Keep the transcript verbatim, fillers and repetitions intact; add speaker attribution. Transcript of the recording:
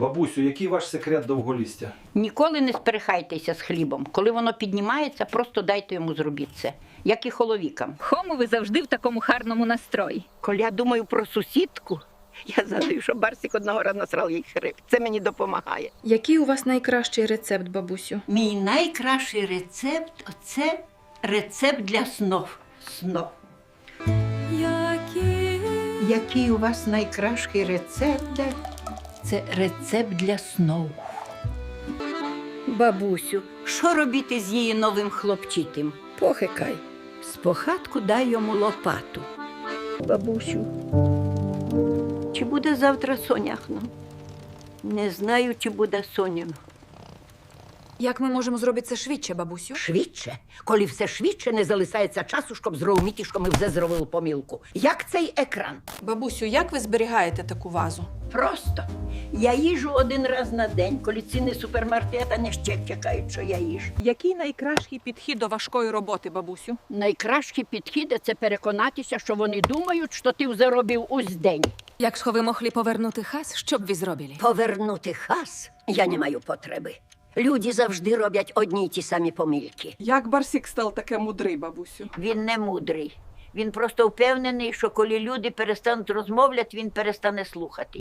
Speaker 1: Бабусю, який ваш секрет довголістя?
Speaker 2: Ніколи не сперехайтеся з хлібом. Коли воно піднімається, просто дайте йому зробити це. Як і холовікам.
Speaker 3: Хому ви завжди в такому гарному настрої.
Speaker 2: Коли я думаю про сусідку, я згадую, що Барсик одного разу насрав їй хрип. Це мені допомагає.
Speaker 4: Який у вас найкращий рецепт, бабусю?
Speaker 2: Мій найкращий рецепт – це рецепт для снов. Снов.
Speaker 4: Які...
Speaker 2: Який у вас найкращий рецепт? Це рецепт для снов. Бабусю, що робити з її новим хлопчитим? Похикай. Спочатку дай йому лопату. Бабусю, чи буде завтра соняхно? Не знаю, чи буде соняхно.
Speaker 4: Як ми можемо зробити це швидше, бабусю?
Speaker 2: Швидше. Коли все швидше, не залишається часу, щоб зрозуміти, що ми вже зробили помилку. Як цей екран?
Speaker 5: Бабусю, як ви зберігаєте таку вазу?
Speaker 2: Просто. Я їжу один раз на день, коли ціни супермаркета не ще чекають, що я їжу.
Speaker 5: Який найкращий підхід до важкої роботи, бабусю?
Speaker 2: Найкращий підхід – це переконатися, що вони думають, що ти вже робив ось день.
Speaker 4: Якщо ви могли повернути хас, що б ви зробили?
Speaker 2: Повернути хас я не маю потреби. Люди завжди роблять одні й ті самі помилки.
Speaker 5: Як Барсик став таке мудрий, бабусю?
Speaker 2: Він не мудрий. Він просто впевнений, що коли люди перестануть розмовляти, він перестане слухати.